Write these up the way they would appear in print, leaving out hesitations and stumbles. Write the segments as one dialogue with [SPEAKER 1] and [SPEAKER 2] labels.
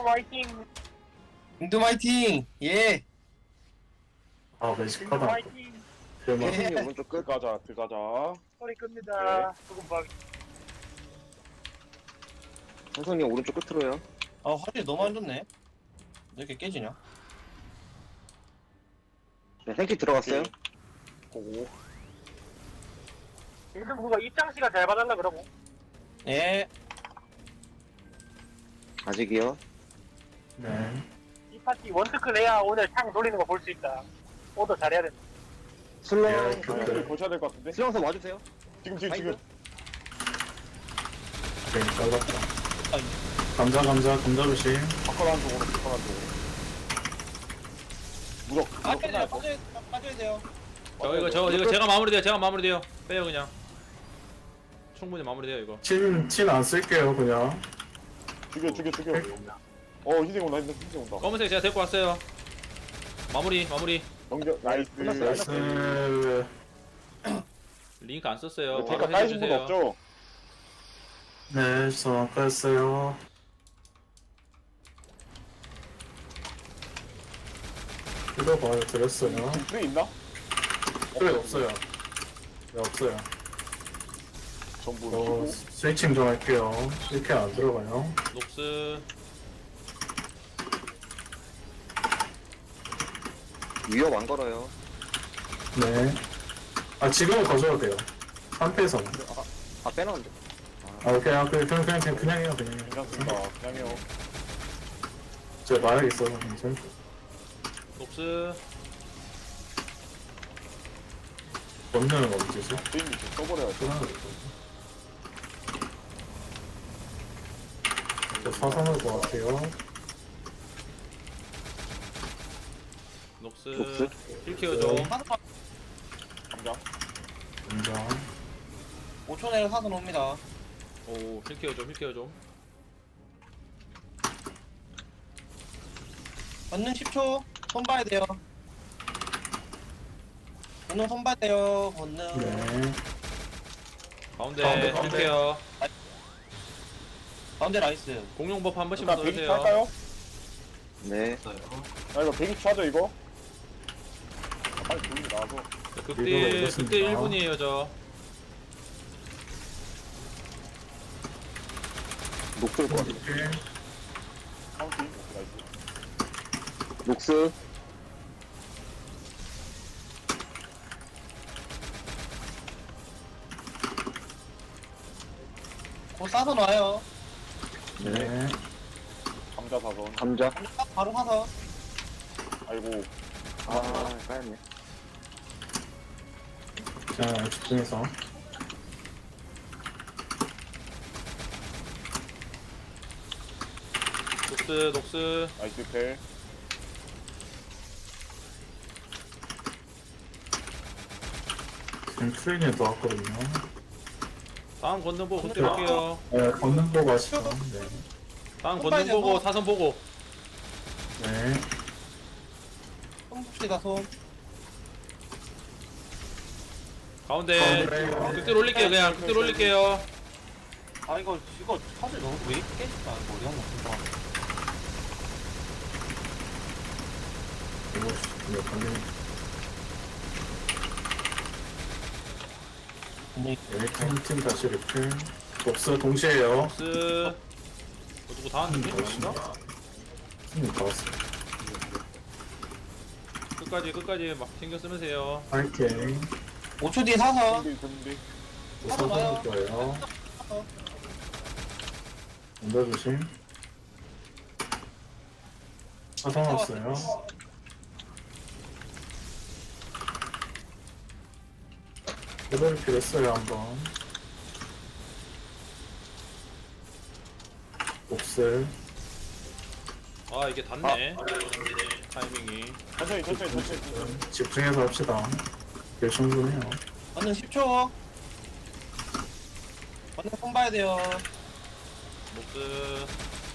[SPEAKER 1] 화이팅!
[SPEAKER 2] 잉두 화이팅! 예!
[SPEAKER 3] 아,
[SPEAKER 1] 잉두
[SPEAKER 3] 매직하다.
[SPEAKER 1] 화이팅!
[SPEAKER 3] 대박.
[SPEAKER 2] 예.
[SPEAKER 4] 선생님 오른쪽 끝 들어가자.
[SPEAKER 1] 소리 끕니다. 조금 봐.
[SPEAKER 4] 선생님 오른쪽 끝으로요.
[SPEAKER 2] 아, 화질이 너무 안 좋네. 왜 이렇게 깨지냐?
[SPEAKER 4] 네, 생키 들어갔어요.
[SPEAKER 2] 고고.
[SPEAKER 1] 임승구가 입장 시간 잘 봐달라 그러고.
[SPEAKER 2] 예.
[SPEAKER 4] 아직이요.
[SPEAKER 3] 네.
[SPEAKER 1] 이 파티 원트클 해야 오늘 창 돌리는 거 볼 수 있다. 오더 잘해야 된다.
[SPEAKER 4] 슬렁.
[SPEAKER 3] 예, 그때.
[SPEAKER 5] 고쳐야 될 것 같은데?
[SPEAKER 4] 슬렁선 와주세요.
[SPEAKER 5] 지금.
[SPEAKER 3] 괜히 잘랐다. 감자 조심.
[SPEAKER 5] 바꿔라 쪽으로. 무적.
[SPEAKER 2] 빠져야 돼요, 빠져야 돼요.
[SPEAKER 6] 이거 제가 마무리돼요. 빼요 그냥. 충분히 마무리돼요 이거.
[SPEAKER 3] 친 안 쓸게요, 그냥.
[SPEAKER 5] 죽여. 흰색 온다.
[SPEAKER 6] 검은색 제가 데리고 왔어요. 마무리.
[SPEAKER 5] 넘겨. 나이스.
[SPEAKER 3] 나이스.
[SPEAKER 6] 링크 안 썼어요.
[SPEAKER 5] 대가
[SPEAKER 6] 바로
[SPEAKER 5] 까이신 분
[SPEAKER 6] 해주세요.
[SPEAKER 5] 없죠?
[SPEAKER 3] 네, 저 아까 했어요. 이거 봐요, 드렸어요.
[SPEAKER 5] 프레 있나?
[SPEAKER 3] 그래, 없어요. 네, 없어요.
[SPEAKER 5] 전부
[SPEAKER 3] 저
[SPEAKER 5] 주고.
[SPEAKER 3] 스위칭 좀 할게요. 이렇게 안 들어가요.
[SPEAKER 6] 녹스.
[SPEAKER 4] 위협 안 걸어요.
[SPEAKER 3] 네. 아, 지금은 거셔도 돼요. 3패에서.
[SPEAKER 4] 아 빼놨는데.
[SPEAKER 3] 아, 그냥 해요, 그냥.
[SPEAKER 5] 괜찮습니다. 그냥 해요.
[SPEAKER 3] 제가 말하겠어요, 이제.
[SPEAKER 6] 녹스.
[SPEAKER 3] 원능은 어디지?
[SPEAKER 5] 게임 좀 써버려야죠.
[SPEAKER 3] 저 사선할 것 같아요.
[SPEAKER 6] 녹스.
[SPEAKER 4] 녹스?
[SPEAKER 6] 힐 케어 좀.
[SPEAKER 5] 감자.
[SPEAKER 3] 인정.
[SPEAKER 2] 5초 내에 사선 옵니다.
[SPEAKER 6] 오, 힐 케어 좀.
[SPEAKER 2] 권능 10초. 손 봐야 돼요. 권능 손 봐야 돼요, 권능.
[SPEAKER 3] 네.
[SPEAKER 6] 가운데 힐 케어.
[SPEAKER 2] 가운데 나이스.
[SPEAKER 6] 공룡 버프 한 번씩
[SPEAKER 5] 일단 120
[SPEAKER 6] 써주세요.
[SPEAKER 5] 할까요?
[SPEAKER 4] 네.
[SPEAKER 5] 아 이거 120 하죠 이거? 아, 빨리 돌리기 나와서.
[SPEAKER 6] 극딜 1분이에요 저.
[SPEAKER 4] 녹슬 것 같아.
[SPEAKER 3] 이렇게.
[SPEAKER 5] 카운팅. 오케이, 나이스.
[SPEAKER 4] 녹스.
[SPEAKER 2] 곧 사선 와요.
[SPEAKER 3] 네.
[SPEAKER 5] 감자 사선.
[SPEAKER 4] 감자.
[SPEAKER 2] 바로 사선.
[SPEAKER 5] 아이고.
[SPEAKER 4] 아 까였네.
[SPEAKER 3] 자, 집중해서.
[SPEAKER 6] 녹스.
[SPEAKER 5] 나이스 펠.
[SPEAKER 3] 지금 트레이닝 나왔거든요.
[SPEAKER 6] 다음 건능 보고 극딜 할게요.
[SPEAKER 3] 네, 걷는 거 가시죠. 네.
[SPEAKER 6] 다음 건능 보고 사선 보고.
[SPEAKER 3] 네.
[SPEAKER 2] 손 봅시다, 손.
[SPEAKER 6] 가운데 극딜 올릴게요 그냥. 극딜 올릴게요.
[SPEAKER 2] 아, 이거 화질 너무 왜 이렇게 깨질까? 이거 어디 한번 봐.
[SPEAKER 3] 이거 걸리네. 네, 팀 다시 리필. 복수 동시에요.
[SPEAKER 6] 녹스. 누구 다 왔는데? 아닌가?
[SPEAKER 3] 팀이 다 왔어요.
[SPEAKER 6] 끝까지 막 신경 쓰면서 해요.
[SPEAKER 3] 파이팅.
[SPEAKER 2] 5초 뒤에 사선.
[SPEAKER 5] 준비.
[SPEAKER 3] 우선 할 거예요. 먼저 조심. 사선 왔어요. 레벨 필했어요 한번. 옥슬.
[SPEAKER 6] 아 이게 닿네. 타이밍이.
[SPEAKER 5] 천천히.
[SPEAKER 3] 집중해서 합시다. 길 충분해요.
[SPEAKER 2] 권능 10초. 권능 손 봐야 돼요.
[SPEAKER 6] 녹스.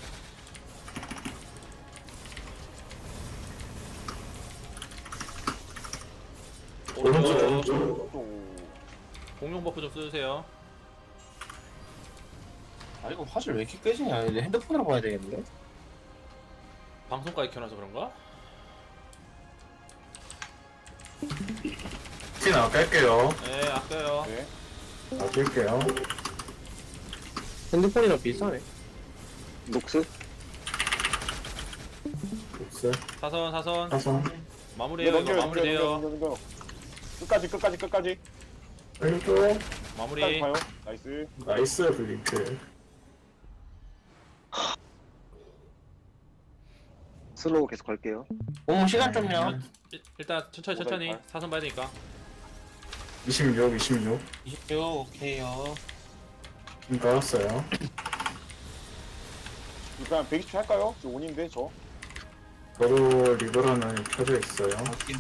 [SPEAKER 3] 오른쪽.
[SPEAKER 6] 공룡 버프 좀 써주세요.
[SPEAKER 2] 아, 이거 화질 왜 이렇게 깨지냐? 이제 핸드폰으로 봐야 되겠는데?
[SPEAKER 6] 방송까지 켜놔서 그런가?
[SPEAKER 3] 티 나갈게요.
[SPEAKER 6] 네 아껴요.
[SPEAKER 5] 네.
[SPEAKER 3] 아낄게요.
[SPEAKER 7] 핸드폰이랑 비슷하네.
[SPEAKER 4] 녹스.
[SPEAKER 3] 녹스.
[SPEAKER 6] 사선 사선
[SPEAKER 3] 사선.
[SPEAKER 6] 마무리해요. 이거 마무리돼요.
[SPEAKER 5] 넘겨. 끝까지.
[SPEAKER 3] 살려줘.
[SPEAKER 6] 마무리.
[SPEAKER 5] 끝까지 가요. 나이스.
[SPEAKER 3] 나이스 블링크.
[SPEAKER 4] 슬로우 계속 갈게요.
[SPEAKER 7] 오, 시간 좀요.
[SPEAKER 6] 일단 천천히
[SPEAKER 5] 오다이
[SPEAKER 6] 사선 봐야 되니까.
[SPEAKER 3] 26.
[SPEAKER 7] 26, 오케이요.
[SPEAKER 3] 나왔어요.
[SPEAKER 5] 그냥 120초 할까요? 저 온인데 저.
[SPEAKER 3] 저도 리버런은 켜져 있어요.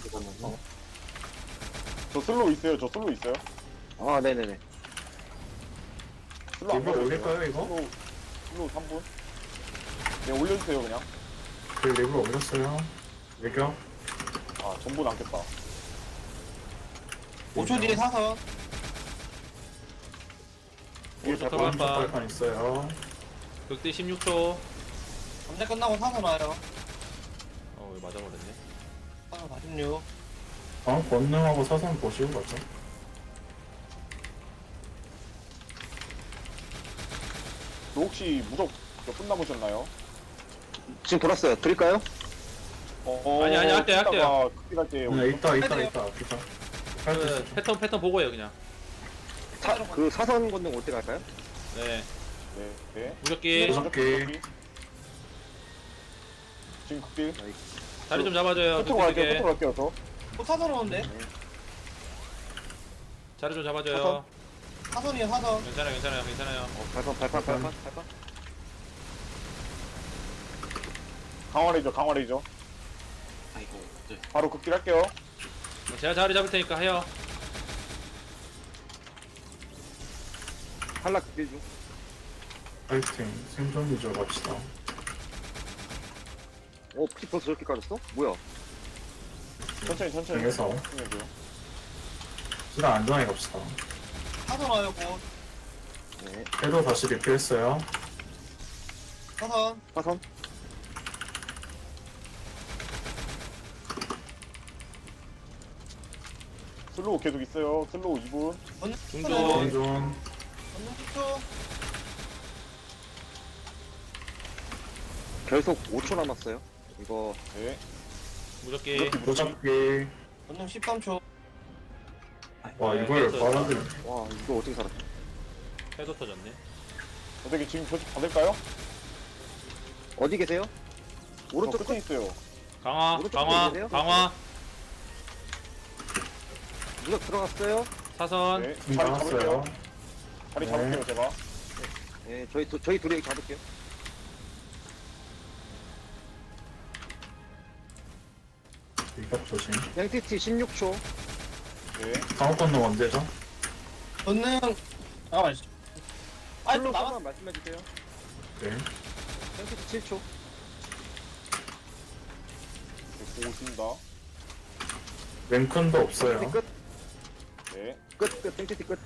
[SPEAKER 5] 저 슬로우 있어요.
[SPEAKER 4] 아, 네네네.
[SPEAKER 5] 슬로우 안
[SPEAKER 3] 리버
[SPEAKER 5] 가요,
[SPEAKER 3] 올릴까요 이거?
[SPEAKER 5] 슬로우 3분. 네, 올려주세요 그냥.
[SPEAKER 3] 그 리버 올렸어요. 외경.
[SPEAKER 5] 아, 전부 남겠다.
[SPEAKER 7] 5초 뒤에 사선.
[SPEAKER 6] 오른쪽
[SPEAKER 3] 오른쪽
[SPEAKER 6] 털발판.
[SPEAKER 3] 발판 있어요.
[SPEAKER 6] 극대 16초.
[SPEAKER 7] 감자 끝나고 사선 와요.
[SPEAKER 6] 왜 맞아버렸네.
[SPEAKER 7] 사선 46.
[SPEAKER 3] 권능하고 사선 보시고 가죠.
[SPEAKER 5] 너 혹시 무적 몇 분 남으셨나요?
[SPEAKER 4] 지금 돌았어요. 드릴까요?
[SPEAKER 6] 아니, 할게요.
[SPEAKER 5] 극딜할 때
[SPEAKER 3] 이따.
[SPEAKER 6] 그 패턴 보고 해요 그냥.
[SPEAKER 4] 그 사선 건능 올 때 갈까요?
[SPEAKER 6] 네.
[SPEAKER 5] 네.
[SPEAKER 6] 무적기
[SPEAKER 3] 무적기.
[SPEAKER 5] 지금 극딜.
[SPEAKER 6] 자리 좀 잡아줘요.
[SPEAKER 5] 끝으로 갈게요.
[SPEAKER 6] 극딜
[SPEAKER 5] 끝으로 갈게요. 저.
[SPEAKER 7] 또 사선 오는데?
[SPEAKER 6] 자리 좀 잡아줘요.
[SPEAKER 7] 사선이에요, 사선.
[SPEAKER 6] 괜찮아요.
[SPEAKER 4] 발판.
[SPEAKER 5] 강화레이저.
[SPEAKER 7] 아이고, 네.
[SPEAKER 5] 바로 극딜 할게요.
[SPEAKER 6] 제가 자리 잡을 테니까 해요.
[SPEAKER 4] 한락 극딜 중.
[SPEAKER 3] 파이팅. 생존 유저 갑시다.
[SPEAKER 4] 피 벌써 저렇게 까졌어? 뭐야?
[SPEAKER 5] 천천히.
[SPEAKER 3] 정해서.
[SPEAKER 5] 해줘요.
[SPEAKER 3] 시간 안전하게 갑시다.
[SPEAKER 7] 사선 와요, 곧.
[SPEAKER 4] 네.
[SPEAKER 3] 해도 다시 리필했어요.
[SPEAKER 7] 사선.
[SPEAKER 4] 사선.
[SPEAKER 5] 슬로우 계속 있어요. 슬로우 2분.
[SPEAKER 7] 건능
[SPEAKER 6] 중전.
[SPEAKER 7] 10초.
[SPEAKER 3] 생존.
[SPEAKER 7] 건능 10초.
[SPEAKER 4] 계속 5초 남았어요. 이거
[SPEAKER 5] 네.
[SPEAKER 6] 무적기.
[SPEAKER 3] 무적기.
[SPEAKER 7] 건능 13초.
[SPEAKER 3] 와 이걸
[SPEAKER 6] 됐어.
[SPEAKER 3] 빨아들.
[SPEAKER 4] 와 이거 어떻게 살았지?
[SPEAKER 6] 해도 터졌네.
[SPEAKER 5] 어떻게 지금 조직 받을까요?
[SPEAKER 4] 어디 계세요? 오른쪽
[SPEAKER 5] 끝에
[SPEAKER 4] 끝.
[SPEAKER 5] 있어요.
[SPEAKER 6] 강화.
[SPEAKER 4] 오른쪽 끝에 누가 들어갔어요?
[SPEAKER 6] 사선.
[SPEAKER 5] 네. 자리 잡을게요.
[SPEAKER 3] 나왔어요.
[SPEAKER 5] 자리
[SPEAKER 3] 네.
[SPEAKER 5] 잡을게요, 제가.
[SPEAKER 4] 네, 저희 둘이 잡을게요.
[SPEAKER 3] 이갑 조심.
[SPEAKER 4] NTT 16초.
[SPEAKER 5] 네.
[SPEAKER 3] 강호 건너 언제죠?
[SPEAKER 7] 건능. 잠깐만. 아,
[SPEAKER 4] 슬로우
[SPEAKER 7] 남았.
[SPEAKER 4] 한번 말씀해주세요.
[SPEAKER 3] 네.
[SPEAKER 4] NTT 7초.
[SPEAKER 5] 보고 있습니다.
[SPEAKER 3] 랭큰도 없어요.
[SPEAKER 4] NTT 끝.
[SPEAKER 5] 네.
[SPEAKER 4] 끝. NTT 끝.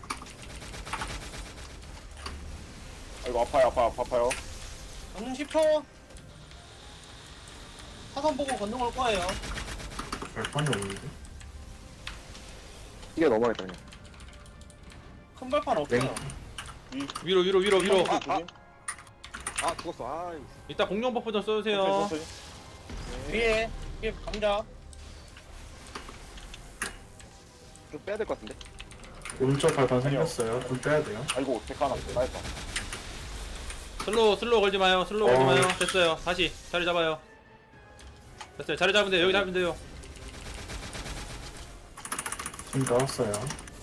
[SPEAKER 5] 아이고, 아파요.
[SPEAKER 7] 건능 10초. 사선 보고 건능 올 거예요.
[SPEAKER 3] 발판이 없는데.
[SPEAKER 4] 이게 넘어가겠다 그냥.
[SPEAKER 7] 큰 발판 없어요.
[SPEAKER 6] 위로.
[SPEAKER 5] 조심.
[SPEAKER 4] 아 죽었어. 아
[SPEAKER 6] 이따 공룡 버프 좀 써주세요.
[SPEAKER 5] 천천히.
[SPEAKER 7] 위에 감자.
[SPEAKER 4] 좀 빼야 될 것 같은데.
[SPEAKER 3] 오른쪽 발판 생겼어요. 좀 빼야 돼요.
[SPEAKER 5] 아이고, 데카 하나. 나했다.
[SPEAKER 6] 슬로우 걸지 마요. 됐어요. 다시 자리 잡아요. 됐어요. 자리 잡으면 돼요. 여기 잡으면 돼요.
[SPEAKER 3] 지금 나왔어요.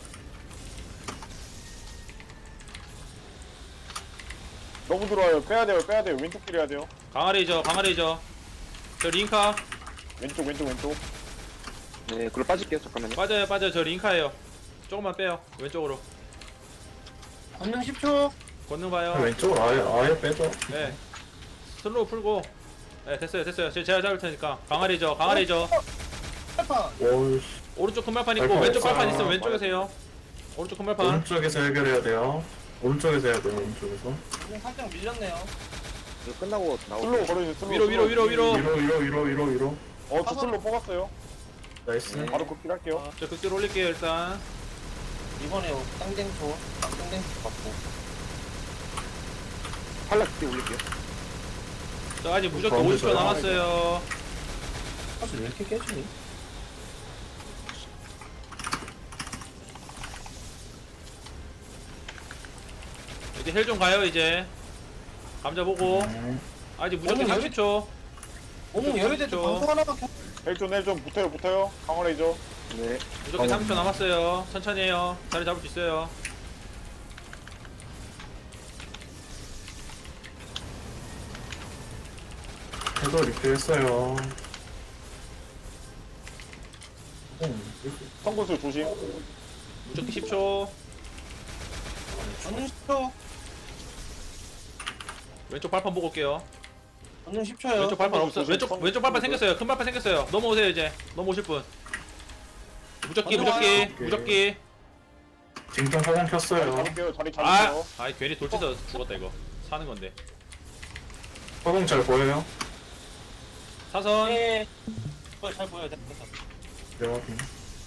[SPEAKER 5] 너무 들어와요. 빼야 돼요. 왼쪽 길 해야 돼요.
[SPEAKER 6] 강화레이저. 저 링카.
[SPEAKER 5] 왼쪽.
[SPEAKER 4] 네, 그걸 빠질게요. 잠깐만요.
[SPEAKER 6] 빠져요. 저 링카예요. 조금만 빼요. 왼쪽으로.
[SPEAKER 7] 건능 10초.
[SPEAKER 6] 권능 봐요.
[SPEAKER 3] 왼쪽으로 아예 빼죠.
[SPEAKER 6] 네. 슬로우 풀고. 네, 됐어요. 제가 잡을 테니까. 강화레이저.
[SPEAKER 7] 발판.
[SPEAKER 3] 오우씨.
[SPEAKER 6] 오른쪽 큰 발판 있고
[SPEAKER 3] 발판
[SPEAKER 6] 왼쪽
[SPEAKER 3] 없어요.
[SPEAKER 6] 발판 있으면 왼쪽에서 해요. 오른쪽 큰 발판.
[SPEAKER 3] 오른쪽에서 해결해야 돼요. 오른쪽에서 해야 돼요. 오른쪽에서.
[SPEAKER 7] 건능 살짝 밀렸네요.
[SPEAKER 4] 이거 끝나고
[SPEAKER 5] 슬로우
[SPEAKER 4] 나오고.
[SPEAKER 5] 걸어주세요. 슬로우,
[SPEAKER 6] 위로 위로
[SPEAKER 5] 슬로우.
[SPEAKER 6] 위로 위로.
[SPEAKER 3] 위로.
[SPEAKER 5] 저 슬로우 뽑았어요.
[SPEAKER 3] 나이스.
[SPEAKER 4] 네.
[SPEAKER 5] 바로 극딜할게요.
[SPEAKER 6] 저 극딜 올릴게요 일단.
[SPEAKER 7] 이번에 땅땡초 받고.
[SPEAKER 4] 탈락 그때 올릴게요.
[SPEAKER 6] 저 아직 무조건
[SPEAKER 3] 가운데
[SPEAKER 6] 50초
[SPEAKER 3] 저요?
[SPEAKER 6] 남았어요.
[SPEAKER 7] 사실 왜 이렇게 깨지니?
[SPEAKER 6] 이제 헬 좀 가요 이제. 감자 보고.
[SPEAKER 3] 네.
[SPEAKER 6] 아직 무조건
[SPEAKER 7] 어머,
[SPEAKER 6] 30초.
[SPEAKER 7] 어머 열애대 때 방송 하나밖에 없-
[SPEAKER 5] 헬존 붙어요. 강화레이저.
[SPEAKER 4] 네.
[SPEAKER 6] 무조건 30초 남았어요. 천천히 해요. 자리 잡을 수 있어요.
[SPEAKER 3] 해도 리필했어요.
[SPEAKER 5] 성군수 조심.
[SPEAKER 6] 무조건 10초.
[SPEAKER 7] 전능 10초.
[SPEAKER 6] 왼쪽 발판 보고 올게요.
[SPEAKER 7] 전능 10초요.
[SPEAKER 6] 왼쪽 발판 없어.
[SPEAKER 5] 조심,
[SPEAKER 6] 왼쪽
[SPEAKER 5] 성-
[SPEAKER 6] 왼쪽 발판 생겼어요. 큰 발판 생겼어요. 넘어오세요 이제. 넘어오실 분. 무적기.
[SPEAKER 3] 징통 화공
[SPEAKER 5] 자리
[SPEAKER 3] 켰어요.
[SPEAKER 5] 잡을게요. 자리
[SPEAKER 6] 아,
[SPEAKER 5] 잡을게요.
[SPEAKER 6] 아이 괜히 돌치서 죽었다 이거. 사는 건데.
[SPEAKER 3] 화공 잘 보여요?
[SPEAKER 6] 사선.
[SPEAKER 7] 네. 잘 보여요. 됐다.
[SPEAKER 3] 네, 확인.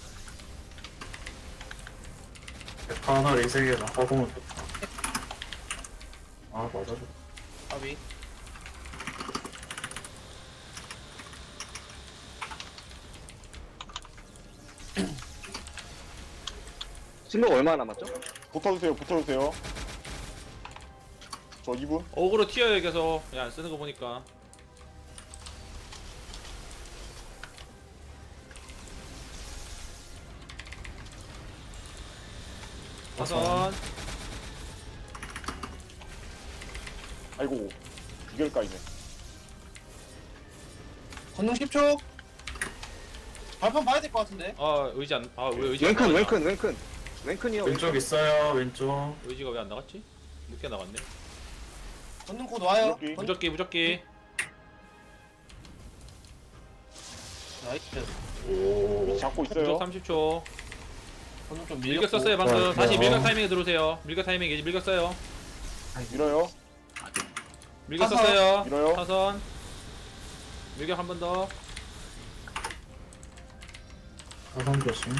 [SPEAKER 3] 백화 하나 리세개다. 화공은 백화. 아, 맞아.
[SPEAKER 7] 아비.
[SPEAKER 4] 슬로우 얼마 남았죠?
[SPEAKER 5] 붙어주세요. 저 2분.
[SPEAKER 6] 어그로 튀어요 계속. 야, 안 쓰는 거 보니까. 사선.
[SPEAKER 5] 아이고. 2개일까 이네.
[SPEAKER 7] 전능 10초. 발판 봐야 될 것 같은데.
[SPEAKER 6] 의지 안. 왜 의지 안 나가냐?
[SPEAKER 4] 왼큰이요.
[SPEAKER 3] 왼쪽 있어요, 왼쪽.
[SPEAKER 6] 의지가 왜 안 나갔지? 늦게 나갔네.
[SPEAKER 7] 전능 곧 와요.
[SPEAKER 5] 무적기.
[SPEAKER 6] 무적기.
[SPEAKER 7] 나이스.
[SPEAKER 3] 오.
[SPEAKER 5] 잡고
[SPEAKER 6] 무적
[SPEAKER 5] 있어요.
[SPEAKER 6] 30초.
[SPEAKER 7] 전능 좀
[SPEAKER 6] 밀격
[SPEAKER 7] 밀렸고.
[SPEAKER 6] 썼어요 방금.
[SPEAKER 3] 어,
[SPEAKER 6] 다시
[SPEAKER 3] 어.
[SPEAKER 6] 밀격 타이밍에 들어오세요. 밀격 타이밍 이제 밀격 써요.
[SPEAKER 5] 밀어요.
[SPEAKER 6] 밀격
[SPEAKER 7] 사선.
[SPEAKER 6] 썼어요.
[SPEAKER 5] 밀어요.
[SPEAKER 6] 사선. 밀격 한 번 더.
[SPEAKER 3] 화공 조심.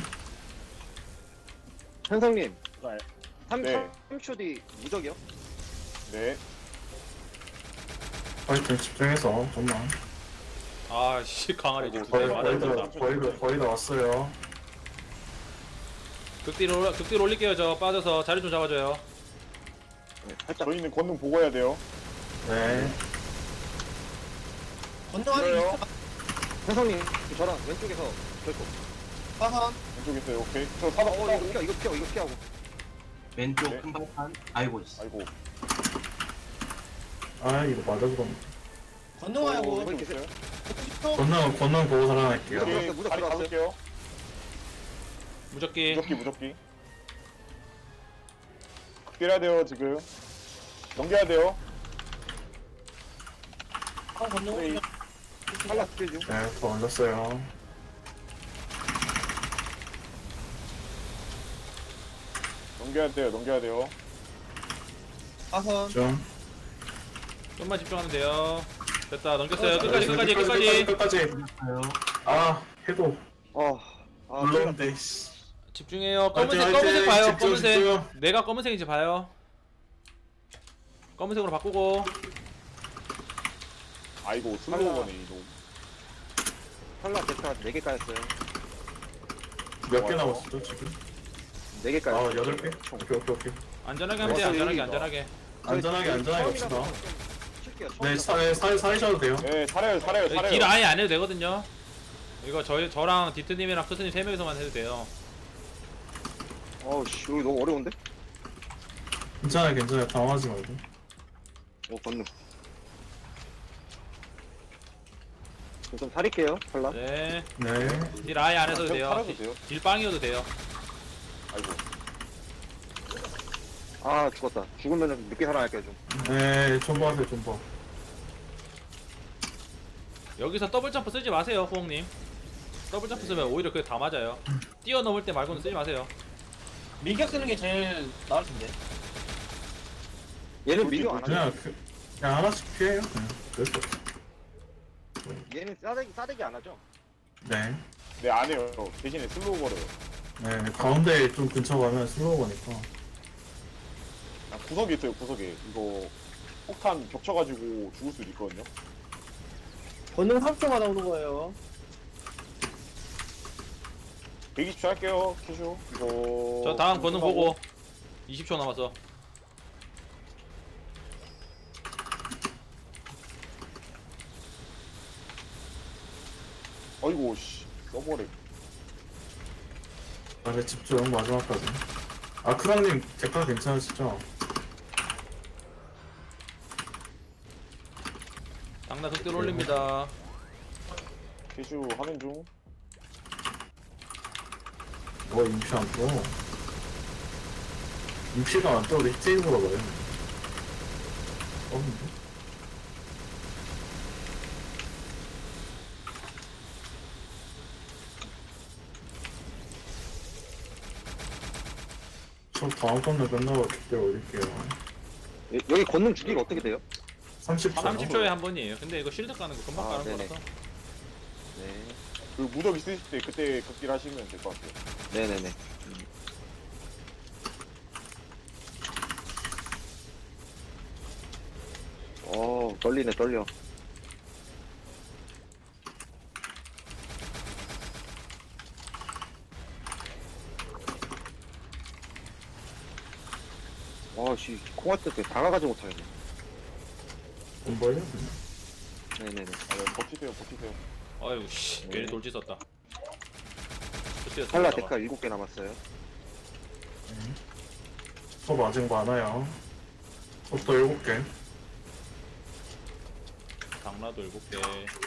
[SPEAKER 4] 현성님.
[SPEAKER 5] 네.
[SPEAKER 4] 3초 뒤 무적이요?
[SPEAKER 5] 네.
[SPEAKER 3] 파이팅 집중해서, 좀만.
[SPEAKER 6] 아씨 강아리 이제
[SPEAKER 5] 아이고,
[SPEAKER 6] 두대
[SPEAKER 3] 거의
[SPEAKER 6] 맞았다.
[SPEAKER 3] 거의 다 왔어요.
[SPEAKER 6] 극딜 올릴게요. 저 빠져서 자리 좀 잡아줘요.
[SPEAKER 4] 네, 살짝.
[SPEAKER 5] 저희는 권능 보고 해야 돼요.
[SPEAKER 3] 네.
[SPEAKER 7] 전능 아직
[SPEAKER 5] 밀어요.
[SPEAKER 4] 현성님 저랑 왼쪽에서 결코.
[SPEAKER 7] 사선.
[SPEAKER 5] 왼쪽 있어요. 오케이. 저 사박
[SPEAKER 4] 이거 피하고.
[SPEAKER 8] 왼쪽
[SPEAKER 5] 네.
[SPEAKER 8] 큰 발판. 아이고 씨.
[SPEAKER 5] 아이고.
[SPEAKER 3] 아, 이거 맞아, 그럼.
[SPEAKER 7] 전능 와요. 곧.
[SPEAKER 4] 이번에 계세요.
[SPEAKER 7] 10초.
[SPEAKER 3] 권능 보고 살아날게요.
[SPEAKER 4] 오케이.
[SPEAKER 5] 오케이.
[SPEAKER 4] 무적
[SPEAKER 5] 자리
[SPEAKER 4] 들어갔어요.
[SPEAKER 5] 잡을게요.
[SPEAKER 6] 무적기.
[SPEAKER 5] 무적기. 극딜해야 돼요 지금. 넘겨야 돼요.
[SPEAKER 7] 전능
[SPEAKER 5] 네.
[SPEAKER 7] 오면
[SPEAKER 4] 탈락 중.
[SPEAKER 3] 네, 더 올렸어요.
[SPEAKER 5] 넘겨야 돼요.
[SPEAKER 7] 사선.
[SPEAKER 3] 좀.
[SPEAKER 6] 좀만 집중하면 돼요. 됐다. 넘겼어요.
[SPEAKER 3] 끝까지.
[SPEAKER 8] 됐어요.
[SPEAKER 3] 아, 해도.
[SPEAKER 4] 아,
[SPEAKER 3] 물론데, 씨.
[SPEAKER 6] 집중해요.
[SPEAKER 3] 화이팅,
[SPEAKER 6] 검은색
[SPEAKER 3] 화이팅!
[SPEAKER 6] 봐요.
[SPEAKER 3] 집중,
[SPEAKER 6] 검은색.
[SPEAKER 3] 집중.
[SPEAKER 6] 내가 검은색인지 봐요. 검은색으로 바꾸고.
[SPEAKER 5] 아이고 슬로우거네 이거.
[SPEAKER 4] 탈락 대타 4개 까였어요.
[SPEAKER 3] 몇 개 남았어, 지금?
[SPEAKER 4] 4개
[SPEAKER 3] 아,
[SPEAKER 4] 까였어요.
[SPEAKER 3] 8개? 오케이.
[SPEAKER 6] 안전하게 하면 돼요. 안전하게.
[SPEAKER 3] 안전하게 갑시다.
[SPEAKER 4] 칠게요.
[SPEAKER 3] 네, 살이셔도 돼요.
[SPEAKER 5] 네 살아요.
[SPEAKER 6] 여기 길 아예 안 해도 되거든요. 이거 저랑 디트님이랑 크스님 3명이서만 해도 돼요.
[SPEAKER 4] 어우씨, 여기 너무 어려운데?
[SPEAKER 3] 괜찮아요. 당황하지 말고.
[SPEAKER 4] 건능. 좀 사릴게요, 탈락.
[SPEAKER 6] 네.
[SPEAKER 3] 네.
[SPEAKER 6] 길 아예 안 해도 돼요.
[SPEAKER 5] 살아도 돼요.
[SPEAKER 6] 딜빵이어도 돼요.
[SPEAKER 5] 아이고.
[SPEAKER 4] 아, 죽었다. 죽으면은 늦게 살아날게요, 좀.
[SPEAKER 3] 네, 좀 봐세요, 좀 봐.
[SPEAKER 6] 여기서 더블 점프 쓰지 마세요, 후홍님. 더블 점프 쓰면 오히려 그게 다 맞아요. 뛰어넘을 때 말고는 쓰지 마세요.
[SPEAKER 7] 밀격 쓰는 게 제일 나을 텐데.
[SPEAKER 4] 얘는 미디어 안 하네.
[SPEAKER 3] 그냥 그냥 하나씩 피해요. 그냥. 그럴 수 없어.
[SPEAKER 4] 얘는 싸대기 안 하죠?
[SPEAKER 3] 네.
[SPEAKER 5] 네, 안 해요. 대신에 슬로우 걸어요.
[SPEAKER 3] 네, 가운데 좀 근처 가면 슬로우 거니까.
[SPEAKER 5] 아, 구석에 있어요, 구석에. 이거 폭탄 겹쳐가지고 죽을 수도 있거든요.
[SPEAKER 7] 권능 3초마다 오는 거예요.
[SPEAKER 5] 120초 할게요, 큐쇼. 이거.
[SPEAKER 6] 저 다음 권능 보고 20초 남았어.
[SPEAKER 5] 어이구, 씨. 써버려.
[SPEAKER 3] 아래 집중 마지막까지. 아크랑님 대가 괜찮으시죠?
[SPEAKER 6] 당나 극대로 올립니다.
[SPEAKER 5] 큐쇼 하는 중.
[SPEAKER 3] 뭐 인피 안 떠. 인피가 안 떠. 우리 히트인 거라 봐요. 없는데? 저 다음 건을 끝나고 그때 올릴게요.
[SPEAKER 4] 여기 권능 주기가 어떻게 돼요?
[SPEAKER 3] 30초.
[SPEAKER 6] 30초에 한 번이에요. 근데 이거 실드 까는 거 금방
[SPEAKER 4] 아,
[SPEAKER 6] 까는
[SPEAKER 4] 네네.
[SPEAKER 6] 거라서.
[SPEAKER 4] 네.
[SPEAKER 5] 그 무적 있으실 때 그때 극딜 하시면 될 것 같아요.
[SPEAKER 4] 네네네. 떨리네, 떨려. 씨, 콩할 때 다가가지 못하겠네.
[SPEAKER 3] 돈 벌려?
[SPEAKER 4] 네네네.
[SPEAKER 5] 아, 네, 버티세요, 버티세요.
[SPEAKER 6] 아유 씨 괜히 돌지 썼다.
[SPEAKER 4] 탈라 데카 7개 남았어요.
[SPEAKER 3] 저 아직 많아요. 저도 7개.
[SPEAKER 6] 당나도 7개.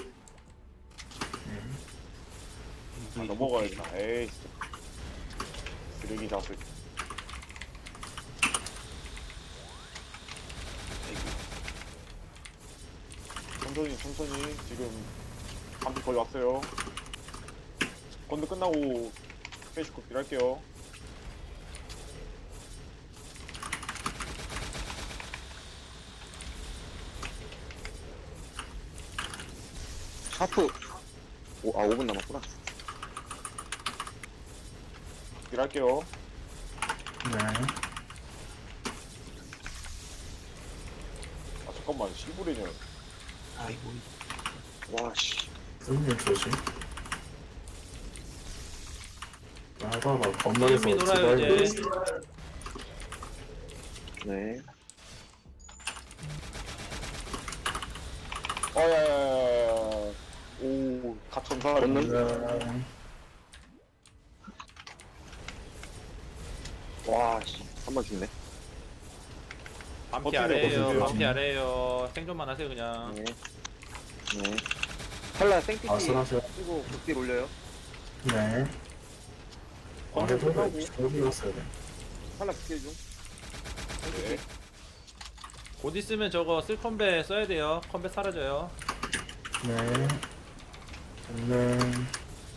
[SPEAKER 5] 아, 넘어가야겠다. 에이, 진짜. 쓰레기 자식. 천천히, 천천히. 지금 밤비 거의 왔어요. 건드 끝나고 스페이스 극딜 할게요.
[SPEAKER 4] 하프. 5분 남았구나.
[SPEAKER 5] 극딜 할게요.
[SPEAKER 3] 네.
[SPEAKER 5] 아, 잠깐만. 실브레냐.
[SPEAKER 8] 아이고.
[SPEAKER 4] 와, 씨.
[SPEAKER 3] 승님 조심. 하다가 건너에서
[SPEAKER 6] 게임이 놀아요 이제.
[SPEAKER 4] 네.
[SPEAKER 5] 야야야야야. 오, 가천사.
[SPEAKER 4] 건능? 와, 씨. 한 번 죽네.
[SPEAKER 6] 반피
[SPEAKER 5] 버티세요,
[SPEAKER 6] 아래에요.
[SPEAKER 5] 버티세요.
[SPEAKER 6] 반피 아래에요. 생존만 하세요 그냥.
[SPEAKER 4] 네. 네. 탈라 생피티
[SPEAKER 3] 아슬아슬.
[SPEAKER 4] 쓰고 극딜 올려요.
[SPEAKER 3] 네. 아래도 올렸어야 돼.
[SPEAKER 4] 탈라 극딜 중.
[SPEAKER 5] 네.
[SPEAKER 6] 곧 있으면 저거 쓸 컴배 써야 돼요. 컴배 사라져요.
[SPEAKER 3] 네. 저는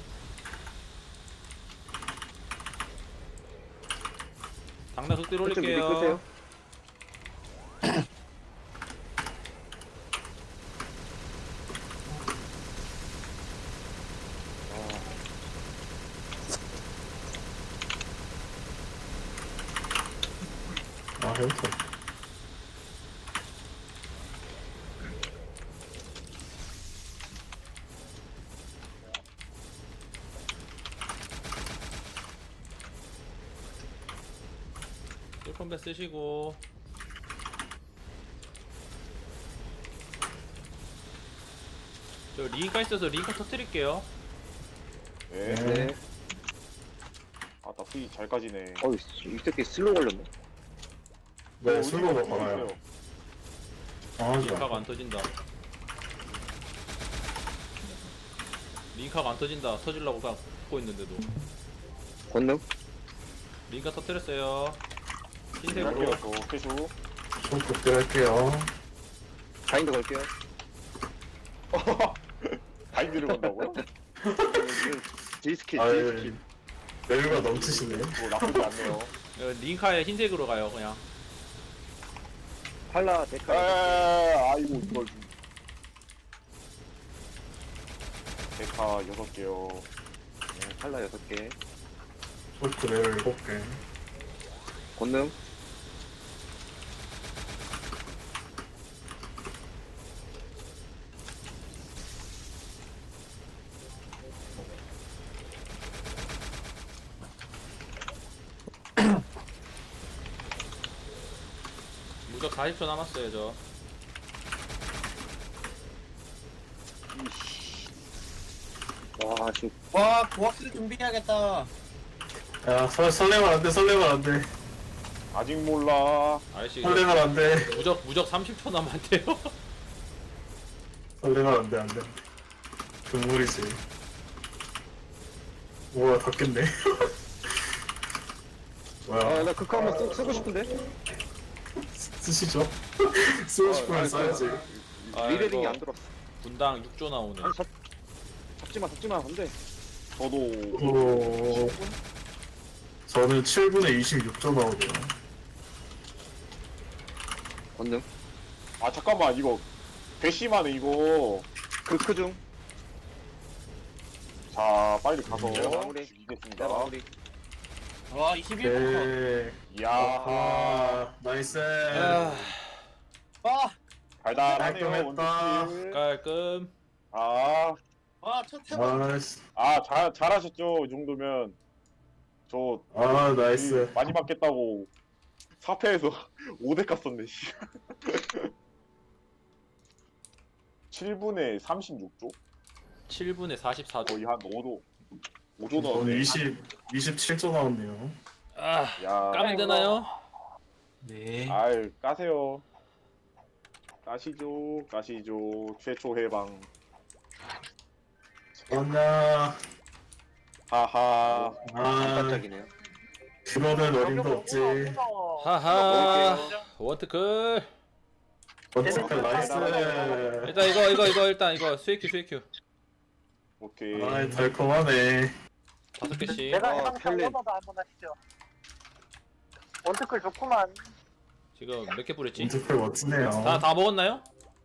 [SPEAKER 6] 당나 극대로
[SPEAKER 4] 살짝 미리
[SPEAKER 6] 올릴게요.
[SPEAKER 4] 끄세요.
[SPEAKER 3] 해부터.
[SPEAKER 6] 쓸 컴배 쓰시고. 저 링카 있어서 링카 터뜨릴게요.
[SPEAKER 5] 네.
[SPEAKER 4] 네.
[SPEAKER 5] 아, 나 프리 잘 까지네.
[SPEAKER 4] 이 새끼 슬로우 걸렸네.
[SPEAKER 3] 네, 슬로우가
[SPEAKER 5] 어디가
[SPEAKER 3] 많아요.
[SPEAKER 5] 있어요?
[SPEAKER 3] 강하지
[SPEAKER 6] 링카가
[SPEAKER 3] 않아.
[SPEAKER 6] 안 터진다. 링카가 안 터진다. 터질라고 막 붙고 있는데도.
[SPEAKER 4] 권능?
[SPEAKER 6] 링카 터뜨렸어요.
[SPEAKER 5] 극딜
[SPEAKER 6] 흰색으로.
[SPEAKER 5] 할게요, 또. 캐쇼.
[SPEAKER 3] 좀 극대할게요.
[SPEAKER 4] 바인드 걸게요.
[SPEAKER 5] 바인드를 건다고요?
[SPEAKER 4] J스킬,
[SPEAKER 3] 아유,
[SPEAKER 4] J스킬.
[SPEAKER 3] 여유가 넘치시네.
[SPEAKER 5] 뭐 나쁘지 않네요.
[SPEAKER 6] 링카에 흰색으로 가요 그냥.
[SPEAKER 4] 팔라 데카
[SPEAKER 5] 아이고 이걸 좀. 데카 6개요.
[SPEAKER 4] 팔라 6개.
[SPEAKER 3] 홀크 레벨 7개.
[SPEAKER 4] 권능.
[SPEAKER 6] 무적 40초 남았어요 저.
[SPEAKER 4] 와 지금
[SPEAKER 7] 와 고학생 준비해야겠다.
[SPEAKER 3] 야, 설레면 안 돼, 설레면 안 돼.
[SPEAKER 5] 아직 몰라.
[SPEAKER 6] 아저씨
[SPEAKER 3] 설레면 안 돼.
[SPEAKER 6] 무적 30초 남았대요.
[SPEAKER 3] 설레면 안 돼, 안 돼. 동물이지. 우와, 다 깼네. 뭐야,
[SPEAKER 4] 아나 극화 한번 쓰고 싶은데.
[SPEAKER 3] 쓰시죠? 쓰고 싶으면 써야지.
[SPEAKER 4] 리레딩이
[SPEAKER 6] 이거
[SPEAKER 4] 안 들었어.
[SPEAKER 6] 분당 6조 나오네.
[SPEAKER 4] 아니 잡지마 안돼.
[SPEAKER 5] 저도
[SPEAKER 3] 오, 저는 7분에 26점 나오네요.
[SPEAKER 4] 권능.
[SPEAKER 5] 아 잠깐만 이거 배심하네 이거.
[SPEAKER 4] 극크 중.
[SPEAKER 5] 자 빨리 가서
[SPEAKER 4] 마무리.
[SPEAKER 5] 죽이겠습니다.
[SPEAKER 4] 마무리.
[SPEAKER 7] 와 21분.
[SPEAKER 3] 네.
[SPEAKER 5] 이야
[SPEAKER 3] 아, 나이스.
[SPEAKER 7] 와.
[SPEAKER 5] 달달하네요
[SPEAKER 3] 깔끔했다.
[SPEAKER 5] 원투킬.
[SPEAKER 6] 깔끔.
[SPEAKER 7] 와첫 태번.
[SPEAKER 3] 나이스.
[SPEAKER 5] 잘하셨죠 이 정도면. 저
[SPEAKER 3] 아, 나이스.
[SPEAKER 5] 많이 맞겠다고 4패에서 5대 깠었네 씨. 7분에 36조?
[SPEAKER 6] 7분에 44조.
[SPEAKER 5] 거의 한 5조
[SPEAKER 3] 저는
[SPEAKER 5] 넣었네.
[SPEAKER 3] 27점 나왔네요.
[SPEAKER 6] 아,
[SPEAKER 5] 야,
[SPEAKER 6] 까면 되나요?
[SPEAKER 8] 네.
[SPEAKER 5] 아유 까세요. 까시죠 최초 해방.
[SPEAKER 3] 왔나.
[SPEAKER 5] 하하.
[SPEAKER 3] 아,
[SPEAKER 4] 깜짝이네요.
[SPEAKER 3] 그거는 어림도 없지.
[SPEAKER 6] 하하. 원트클.
[SPEAKER 3] 원칙할 나이스.
[SPEAKER 6] 일단 이거 수익큐.
[SPEAKER 5] 오케이.
[SPEAKER 3] 아, 달콤하네.
[SPEAKER 6] 5개씩.
[SPEAKER 1] 내가 해방
[SPEAKER 4] 펠린.
[SPEAKER 1] 오너도 한번 하시죠. 원투클 좋구만.
[SPEAKER 6] 지금 몇 개 뿌렸지?
[SPEAKER 3] 원칙할 멋지네요.
[SPEAKER 6] 다 먹었나요?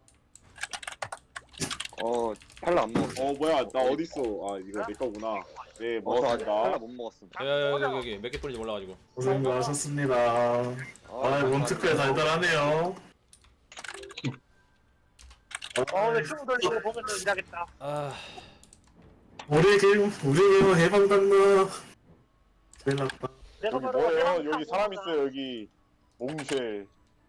[SPEAKER 4] 팔라 안 먹었어.
[SPEAKER 5] 뭐야 나 어딨어. 아 이거 내 거구나. 네
[SPEAKER 4] 저 아직 팔라
[SPEAKER 5] 먹었습니다.
[SPEAKER 4] 못 먹었음.
[SPEAKER 6] 여기 몇 개 뿌린지 몰라가지고.
[SPEAKER 3] 고생 많으셨습니다. 아, 원칙할 달달하네요.
[SPEAKER 1] 오늘 춤 돌리고 보면서 일하겠다.
[SPEAKER 6] 아,
[SPEAKER 3] 우리 게임 해방당나. 큰일 났다.
[SPEAKER 1] 내가
[SPEAKER 5] 여기
[SPEAKER 1] 바로
[SPEAKER 5] 뭐예요?
[SPEAKER 1] 해방
[SPEAKER 5] 여기 사람
[SPEAKER 1] 타고
[SPEAKER 5] 있어요 여기. 몽쉐.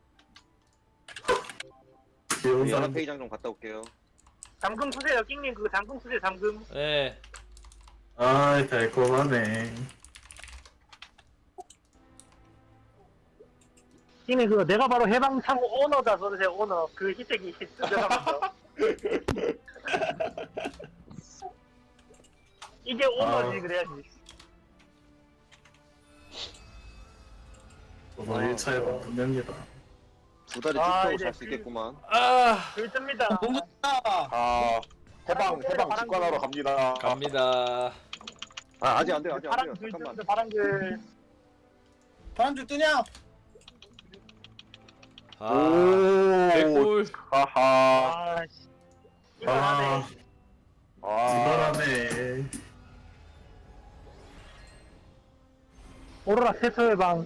[SPEAKER 3] 귀여운
[SPEAKER 4] 우리
[SPEAKER 3] 사람.
[SPEAKER 4] 연합회의장 좀 갔다 올게요.
[SPEAKER 1] 잠금 쓰세요, 낑님. 그거 잠금 쓰세요, 잠금.
[SPEAKER 6] 네.
[SPEAKER 3] 아, 달콤하네.
[SPEAKER 1] 낑님 그거 내가 바로 해방 타고 오너다 써주세요, 오너. 그 희택이 들어가면서. 이게 오너지, 그래야지.
[SPEAKER 3] 저도 1차에 분명이다.
[SPEAKER 4] 두 다리
[SPEAKER 1] 아,
[SPEAKER 4] 쭉 펴고
[SPEAKER 1] 이제
[SPEAKER 4] 잘 수 있겠구만.
[SPEAKER 6] 아,
[SPEAKER 1] 글입니다.
[SPEAKER 7] 너무 좋다.
[SPEAKER 5] 아 해방 직관하러 갑니다.
[SPEAKER 6] 갑니다.
[SPEAKER 4] 아직 안 돼요.
[SPEAKER 1] 바람 글
[SPEAKER 4] 잠깐만.
[SPEAKER 1] 뜨는데 바람 글.
[SPEAKER 7] 바람줄 뜨냐?
[SPEAKER 6] 아, 개꿀.
[SPEAKER 5] 하하.
[SPEAKER 1] 아, 씨. 이거하네.
[SPEAKER 3] 이거라네.
[SPEAKER 1] 오로라 세수의 방.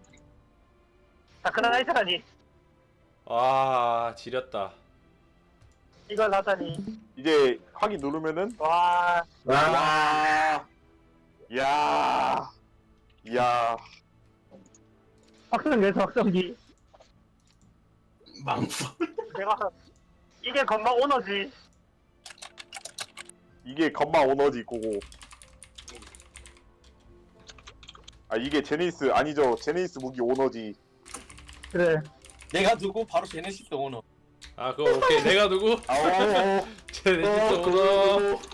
[SPEAKER 1] 다크나이트라니.
[SPEAKER 6] 아, 지렸다.
[SPEAKER 1] 이걸 하다니.
[SPEAKER 5] 이제 확인 누르면은
[SPEAKER 1] 와,
[SPEAKER 3] 아,
[SPEAKER 5] 이야.
[SPEAKER 1] 확성기에서 확성기.
[SPEAKER 8] 망.
[SPEAKER 1] 내가 이게 건방 오너지.
[SPEAKER 5] 이게 건마 오너지 고고. 아 이게 제니스 아니죠. 제니스 무기 오너지.
[SPEAKER 1] 그래.
[SPEAKER 7] 내가 두고 바로 제네시스 오너.
[SPEAKER 6] 아, 그거 오케이. 내가 누구?
[SPEAKER 5] 아오.
[SPEAKER 6] 제네시스 오너.